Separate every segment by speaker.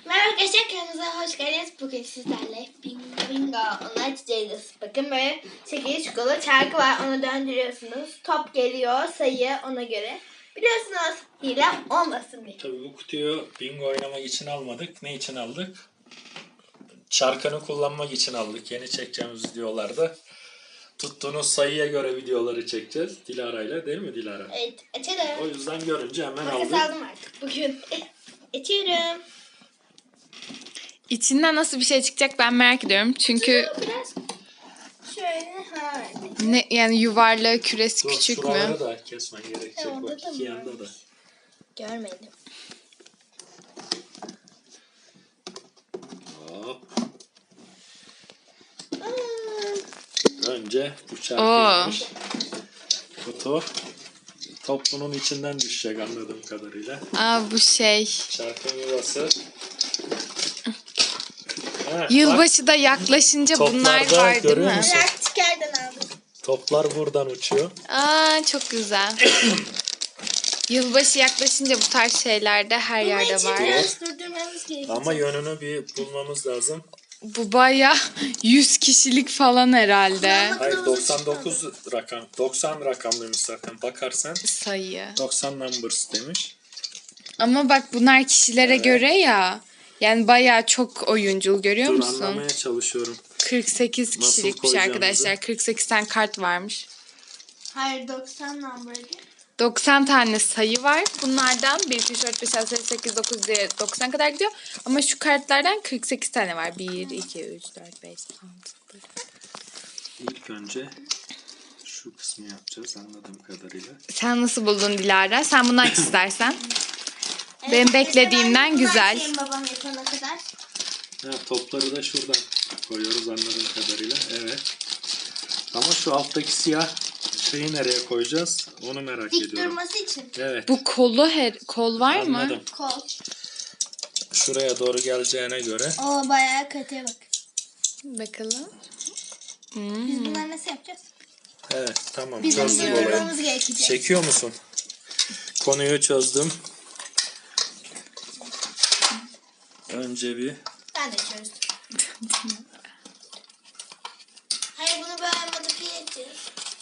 Speaker 1: Merhaba arkadaşlar, kanalımıza hoş geldiniz. Bugün sizlerle bingo oynayacağız. Bakın böyle şekilli çikolata çarkı var. Onu döndürüyorsunuz. Top geliyor, sayı ona göre. Biliyorsunuz hile olmasın diye.
Speaker 2: Tabii bu kutuyu bingo oynamak için almadık. Ne için aldık? Çarkını kullanmak için aldık. Yeni çekeceğimiz videolarda tuttuğunuz sayıya göre videoları çekeceğiz. Dilara'yla, değil mi Dilara?
Speaker 1: Evet, açalım.
Speaker 2: O yüzden görünce hemen
Speaker 1: Makas
Speaker 2: aldık.
Speaker 1: aldım artık bugün. Açıyorum.
Speaker 3: İçinden nasıl bir şey çıkacak ben merak ediyorum. Çünkü
Speaker 1: Biraz şöyle
Speaker 3: ne yani yuvarlağı küresi
Speaker 2: Dur,
Speaker 3: küçük mü?
Speaker 2: şuraları da kesmen gerekecek.
Speaker 1: Orada
Speaker 2: Bak
Speaker 1: da
Speaker 2: iki
Speaker 1: mı
Speaker 2: yanda da.
Speaker 1: görmedim.
Speaker 2: Hop.
Speaker 1: Aa,
Speaker 2: Önce bu
Speaker 3: Oo.
Speaker 2: çarkıymış. Kutu toplunun içinden düşecek anladığım kadarıyla.
Speaker 3: Aa bu şey.
Speaker 2: Çarkın yuvası. Evet, bak,
Speaker 3: Yılbaşı da yaklaşınca bunlar
Speaker 2: toplarda
Speaker 3: var değil
Speaker 2: görüyor
Speaker 3: mi?
Speaker 2: musun?
Speaker 1: Lastiklerden aldım.
Speaker 2: toplar buradan uçuyor.
Speaker 3: Aa çok güzel. Yılbaşı yaklaşınca bu tarz şeyler de her
Speaker 1: Bunun
Speaker 3: yerde
Speaker 1: için
Speaker 3: var.
Speaker 1: biraz durdurmamız gerekiyor.
Speaker 2: Ama yönünü bir bulmamız lazım.
Speaker 3: Bu baya 100 kişilik falan herhalde
Speaker 2: Hayır 99 rakam. 90 rakamlıymış zaten. Bakarsan
Speaker 3: sayı.
Speaker 2: 90 numbers demiş.
Speaker 3: Ama bak bunlar kişilere
Speaker 2: Evet.
Speaker 3: göre ya. Yani baya çok oyuncul görüyor
Speaker 2: Dur
Speaker 3: musun?
Speaker 2: anlamaya çalışıyorum.
Speaker 3: 48
Speaker 2: Nasıl
Speaker 3: kişilikmiş
Speaker 2: koyacağımızı.
Speaker 3: arkadaşlar. 48 tane kart varmış.
Speaker 1: Hayır 90 numaralı.
Speaker 3: 90 tane sayı var. Bunlardan 1, 2, 3, 4, 5, 6, 7, 8, 9 diye 90 kadar gidiyor. Ama şu kartlardan 48 tane var. 1, 2, 3, 4, 5, 6.
Speaker 2: İlk önce şu kısmı yapacağız anladığım kadarıyla.
Speaker 3: Sen nasıl buldun Dilara? Sen bunu aç istersen. Benim beklediğimden
Speaker 1: Ben
Speaker 3: güzel.
Speaker 1: açayım babam yapana kadar.
Speaker 2: Ha, topları da şuradan koyuyoruz anladığım kadarıyla. Evet. Ama şu alttaki siyah şeyi nereye koyacağız? Onu merak
Speaker 1: Dik
Speaker 2: ediyorum.
Speaker 1: durması için.
Speaker 2: Evet.
Speaker 3: Bu kol var mı?
Speaker 2: Anladım.
Speaker 1: Kol.
Speaker 2: Şuraya doğru geleceğine göre.
Speaker 1: O bayağı kötüye bak.
Speaker 3: Bakalım.
Speaker 1: Biz bunları nasıl yapacağız?
Speaker 2: Evet tamam
Speaker 1: Bizim
Speaker 2: çözdüm olayı.
Speaker 1: durdurmamız gerekecek.
Speaker 2: Çekiyor musun? Konuyu çözdüm. Önce bir
Speaker 1: Ben de çözdüm. Hayır bunu böyle modifiye edeceğiz.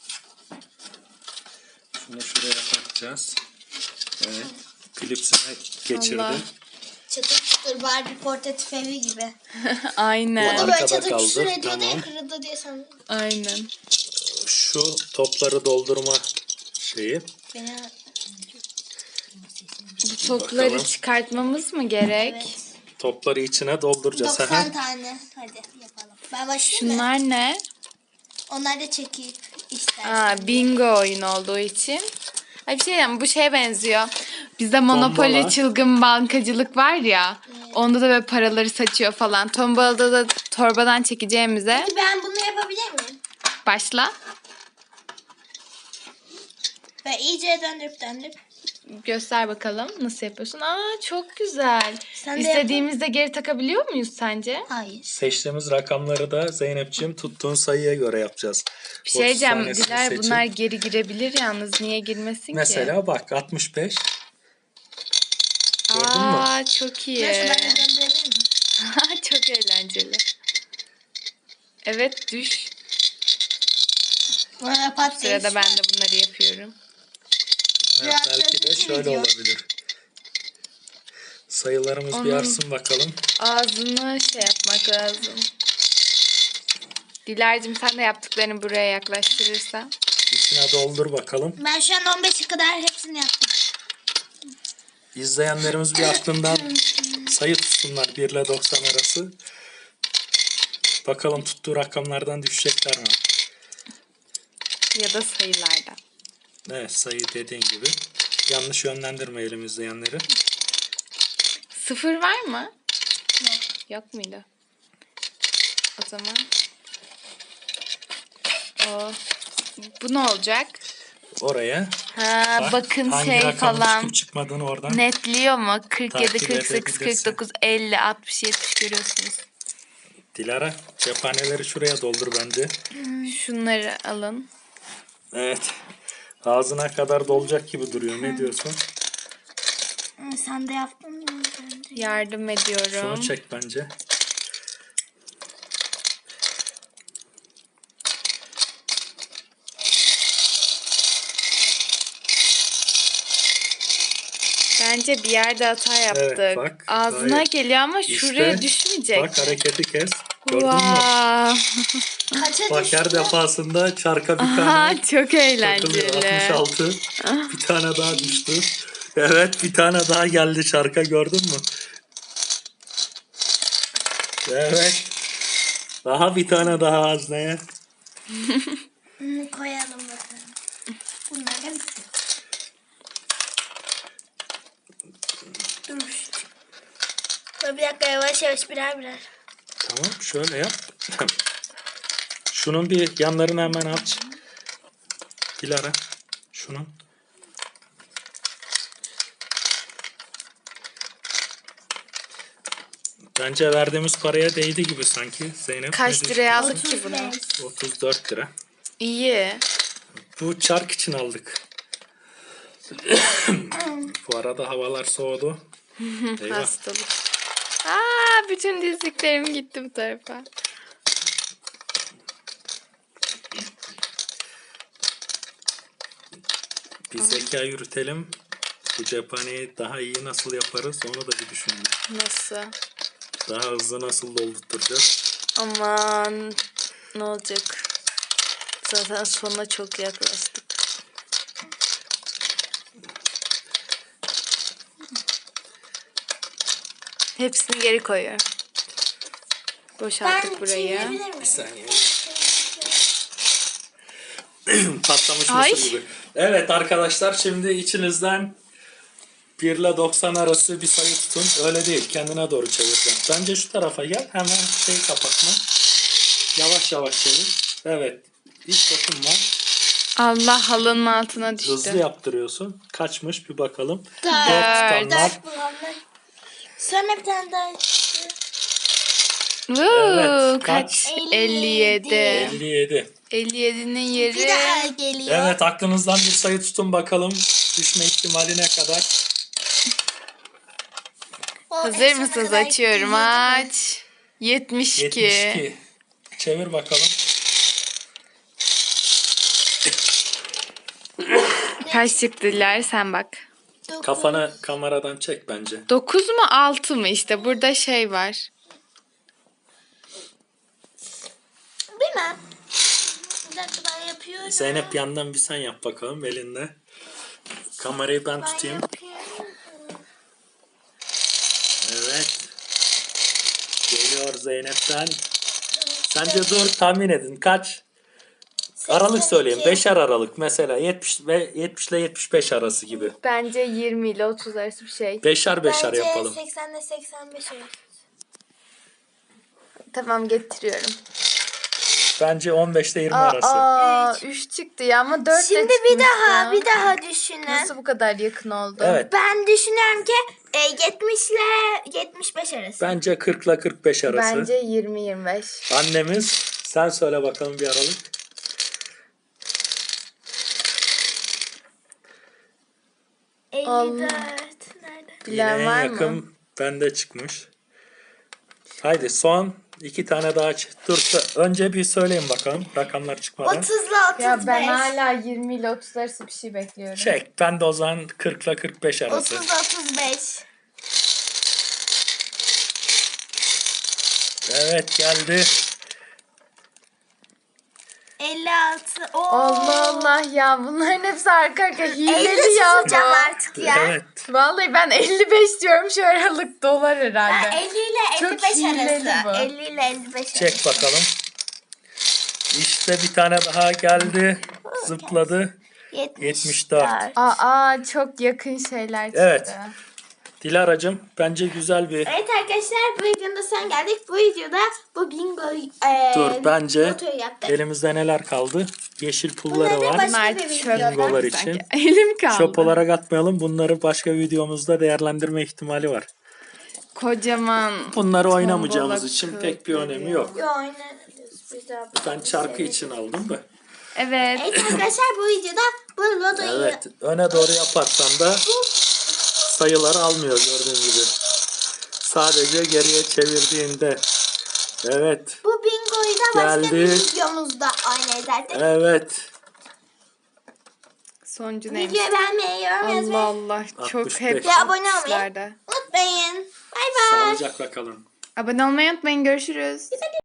Speaker 2: şunu şuraya takacağız. Evet. Klipsine geçirdim.
Speaker 3: Allah.
Speaker 1: Çatır çutur Barbie portatif evi gibi.
Speaker 3: Aynen.
Speaker 1: O böyle
Speaker 2: Arkada
Speaker 1: çatır
Speaker 2: kaldı,
Speaker 1: çutur ediyordu
Speaker 2: tamam.
Speaker 1: ya kırıldı diye sandım.
Speaker 3: Aynen.
Speaker 2: Şu topları doldurma şeyi.
Speaker 1: Beni...
Speaker 3: Bu topları
Speaker 2: Bakalım.
Speaker 3: çıkartmamız mı gerek?
Speaker 1: Evet.
Speaker 2: Topları içine dolduracağız.
Speaker 1: 90 tane. Hadi yapalım. Ben başlayayım mı?
Speaker 3: Şunlar ne?
Speaker 1: Onlar da çekip istersen.
Speaker 3: Aa, bingo oyun olduğu için. Ay bir şey diyeyim, bu şeye benziyor. Bizde Monopoly
Speaker 2: Tombala.
Speaker 3: çılgın bankacılık var ya. Onda da böyle paraları saçıyor falan. Tombalada da torbadan çekeceğimize
Speaker 1: Peki ben bunu yapabilir miyim?
Speaker 3: başla.
Speaker 1: Ve iyice döndürüp
Speaker 3: Göster bakalım nasıl yapıyorsun. Aa çok güzel.
Speaker 1: Sen de
Speaker 3: İstediğimizde geri takabiliyor muyuz sence?
Speaker 1: Hayır.
Speaker 2: Seçtiğimiz rakamları da Zeynep'ciğim tuttuğun sayıya göre yapacağız.
Speaker 3: Bir şey diyeceğim.
Speaker 2: 30 tanesini
Speaker 3: Dilara
Speaker 2: seçip-
Speaker 3: bunlar geri girebilir yalnız. Niye girmesin ki?
Speaker 2: Mesela bak 65. Gördün mü?
Speaker 3: Aa çok iyi.
Speaker 1: Nasıl ben de döndürebilir miyim?
Speaker 3: Çok eğlenceli. Evet düş.
Speaker 1: Bana pat diye
Speaker 3: Sırada ben de bunları yapıyorum.
Speaker 2: Ha,
Speaker 1: Biraz
Speaker 2: belki de
Speaker 1: kötü
Speaker 2: şöyle
Speaker 1: video.
Speaker 2: olabilir. Sayılarımız bir
Speaker 3: Onun-
Speaker 2: artsın bakalım.
Speaker 3: Ağzını şey yapmak lazım. Dilar'cığım sen de yaptıklarını buraya yaklaştırırsan.
Speaker 2: İçine doldur bakalım.
Speaker 1: Ben şu an 15'e kadar hepsini yaptım.
Speaker 2: İzleyenlerimiz bir aklından sayı tutsunlar 1 ile 90 arası. Bakalım tuttuğu rakamlardan düşecekler mi?
Speaker 3: Ya da sayılardan.
Speaker 2: Evet sayı dediğin gibi. Yanlış yönlendirmeyelim izleyenleri.
Speaker 3: 0 var mı?
Speaker 1: Yok.
Speaker 3: Yok muydu? O zaman. O. Bu ne olacak?
Speaker 2: Oraya
Speaker 3: Ha
Speaker 2: bak,
Speaker 3: bakın
Speaker 2: hangi
Speaker 3: şey
Speaker 2: rakamın
Speaker 3: falan.
Speaker 2: çıkıp çıkmadığını oradan.
Speaker 3: Netliyor mu? 47,
Speaker 2: Takip
Speaker 3: 48,
Speaker 2: edebilirsin.
Speaker 3: 49, 50, 60, 70 görüyorsunuz.
Speaker 2: Dilara cephaneleri şuraya doldur bence.
Speaker 3: Şunları alın.
Speaker 2: Evet. Ağzına kadar dolacak gibi duruyor. Ne diyorsun?
Speaker 1: Sen de yaptın mı?
Speaker 3: Yardım ediyorum.
Speaker 2: Şunu çek bence.
Speaker 3: Bence bir yerde hata yaptık.
Speaker 2: Evet, bak.
Speaker 3: Ağzına
Speaker 2: Hayır.
Speaker 3: geliyor ama şuraya
Speaker 2: İşte,
Speaker 3: düşmeyecek.
Speaker 2: Bak hareketi kes. Gördün mü?
Speaker 3: Wow.
Speaker 1: Kaça
Speaker 2: Bak
Speaker 1: düştü?
Speaker 2: her defasında çarka bir
Speaker 3: Aha,
Speaker 2: tane
Speaker 3: çok
Speaker 2: takılıyor.
Speaker 3: eğlenceli.
Speaker 2: 66. Bir tane daha düştü. Evet, bir tane daha geldi çarka, gördün mü? Evet. Daha bir tane daha hazneye.
Speaker 1: Koyalım bakalım. Bunlar da bitti. Dur. Dur bir dakika, yavaş yavaş, birer birer.
Speaker 2: Tamam, şöyle yap. Şunun bir yanlarını hemen aç. Dilara. Şunun. Bence verdiğimiz paraya değdi gibi sanki Zeynep.
Speaker 3: Kaç
Speaker 2: Ne
Speaker 3: liraya
Speaker 2: diyorsun?
Speaker 3: aldık ki bunu?
Speaker 2: 34 lira.
Speaker 3: İyi.
Speaker 2: Bu çark için aldık. Bu arada havalar soğudu. Eyvah.
Speaker 3: Hastalık. Aa, bütün dizliklerim gitti bu tarafa.
Speaker 2: Bir zeka yürütelim. Bu cephaneyi daha iyi nasıl yaparız onu da bir düşünelim.
Speaker 3: Nasıl?
Speaker 2: Daha hızlı nasıl doldurtacağız?
Speaker 3: Aman, ne olacak? Zaten sona çok yaklaştık. Hepsini geri koyuyorum. Boşalttık burayı.
Speaker 2: Bir saniye. Patlamış
Speaker 3: Ay.
Speaker 2: mısır gibi. Evet arkadaşlar, şimdi içinizden 1 ile 90 arası bir sayı tutun. Öyle değil, kendine doğru çevireceğim. Bence şu tarafa gel. Hemen kapatma. Yavaş yavaş çevir. Evet. Hiç dokunma.
Speaker 3: Allah, halının altına düştü.
Speaker 2: Hızlı yaptırıyorsun. Kaçmış bir bakalım. 4
Speaker 3: Dört.
Speaker 2: tutanlar.
Speaker 1: Sonra bir tane daha.
Speaker 2: Evet,
Speaker 3: Kaç?
Speaker 2: kaç?
Speaker 3: 57.
Speaker 2: 57.
Speaker 3: 57'nin yeri.
Speaker 1: Bir daha geliyor.
Speaker 2: Evet, aklınızdan bir sayı tutun bakalım. Düşme ihtimali ne kadar?
Speaker 1: O
Speaker 3: Hazır
Speaker 1: eksene
Speaker 3: mısınız?
Speaker 1: kadar
Speaker 3: Açıyorum.
Speaker 1: gidiyor, değil mi?
Speaker 3: Aç. 72.
Speaker 2: 72. Çevir bakalım.
Speaker 3: Kaç çıktılar? Sen bak.
Speaker 1: Dokuz.
Speaker 2: Kafanı kameradan çek bence.
Speaker 3: 9 mu 6 mı? İşte burada şey var.
Speaker 1: Bilmem. Bir dakika, ben yapıyorum.
Speaker 2: Zeynep yandan bir sen yap bakalım elinde. Kamerayı ben
Speaker 1: Ben
Speaker 2: tutayım.
Speaker 1: yapıyorum.
Speaker 2: Evet. Geliyor Zeynep'ten. Sence dur, tahmin edin. Kaç? Aralık söyleyin. 5'er aralık. Mesela 70 ve 70 ile 75 arası gibi.
Speaker 3: Bence 20 ile 30 arası bir şey.
Speaker 2: 5'er
Speaker 1: Bence
Speaker 2: yapalım.
Speaker 1: 80 ile 85 arası.
Speaker 3: Tamam, getiriyorum.
Speaker 2: Bence 15 ile 20 arası.
Speaker 3: Aa, 3 çıktı ya ama 4
Speaker 1: Şimdi bir daha düşünün.
Speaker 3: Nasıl bu kadar yakın oldu?
Speaker 2: Evet.
Speaker 1: Ben düşünüyorum ki 70 ile 75 arası.
Speaker 2: Bence 40 ile 45 arası.
Speaker 3: Bence 20-25.
Speaker 2: Annemiz, sen söyle bakalım bir aralık.
Speaker 1: 54. Nerede?
Speaker 3: Bilen
Speaker 2: Yine en
Speaker 3: var
Speaker 2: yakın
Speaker 3: mı?
Speaker 2: bende çıkmış. Haydi son 2 tane daha Dur, önce bir söyleyin bakalım rakamlar çıkmadan.
Speaker 1: 30 ile 35.
Speaker 3: Ya ben hala 20 ile 30 arası bir şey bekliyorum.
Speaker 2: Çek. Ben de o zaman 40 ile 45 arası.
Speaker 1: 30 ile 35.
Speaker 2: Evet, geldi.
Speaker 1: 56. Oo.
Speaker 3: Allah Allah ya, bunların hepsi arka arka
Speaker 1: 50
Speaker 3: hileli ya
Speaker 1: tutacağım
Speaker 3: bu.
Speaker 1: artık ya.
Speaker 2: Evet.
Speaker 3: Vallahi ben 55 diyorum, şu aralık dolar
Speaker 1: Ben
Speaker 3: herhalde.
Speaker 1: 50 ile
Speaker 3: Çok
Speaker 1: 55
Speaker 3: hileli
Speaker 1: arası.
Speaker 3: bu.
Speaker 1: 50 ile 55 arası.
Speaker 2: Çek bakalım. İşte bir tane daha geldi. Zıpladı. 74.
Speaker 3: Aa, çok yakın şeyler çıktı.
Speaker 2: Evet. Dilara'cığım, bence güzel bir...
Speaker 1: Evet arkadaşlar, bu videonun da son geldik. Bu videoda bu bingo
Speaker 2: Dur, bence
Speaker 1: lotoyu yaptık.
Speaker 2: elimizde neler kaldı? Yeşil pulları
Speaker 1: Bunları
Speaker 2: var.
Speaker 1: başka
Speaker 3: Bunlar
Speaker 1: bir
Speaker 3: çöp
Speaker 1: videoda.
Speaker 2: Bingolar
Speaker 3: sanki.
Speaker 2: için.
Speaker 3: Elim kaldı.
Speaker 2: Çöp olarak atmayalım. Bunları başka videomuzda değerlendirme ihtimali var.
Speaker 3: Kocaman.
Speaker 2: Bunları
Speaker 3: tombola
Speaker 2: oynamayacağımız için pek bir
Speaker 3: kılıkları
Speaker 2: önemi yok.
Speaker 1: Yo, oynarız biz daha.
Speaker 2: Ben çarkı için aldım da.
Speaker 3: Evet.
Speaker 1: Evet arkadaşlar, bu videoda bu lotoyu
Speaker 2: Evet. Öne doğru yaparsan da sayıları almıyor gördüğün gibi. Sadece geriye çevirdiğinde. Evet.
Speaker 1: Bu bingoyu da başka bir
Speaker 2: Geldik.
Speaker 1: videomuzda oynayacağız artık.
Speaker 2: Evet.
Speaker 3: Sonucu neymiş?
Speaker 1: Videoyu beğenmeyi, yorum
Speaker 3: Allah
Speaker 1: yazmayı
Speaker 3: Allah. Çok
Speaker 2: 65.
Speaker 3: hep
Speaker 1: ve abone olmayı
Speaker 3: atmışlar da.
Speaker 1: unutmayın. Bay bay.
Speaker 2: Sağlıcakla kalın.
Speaker 3: Abone olmayı unutmayın. Görüşürüz.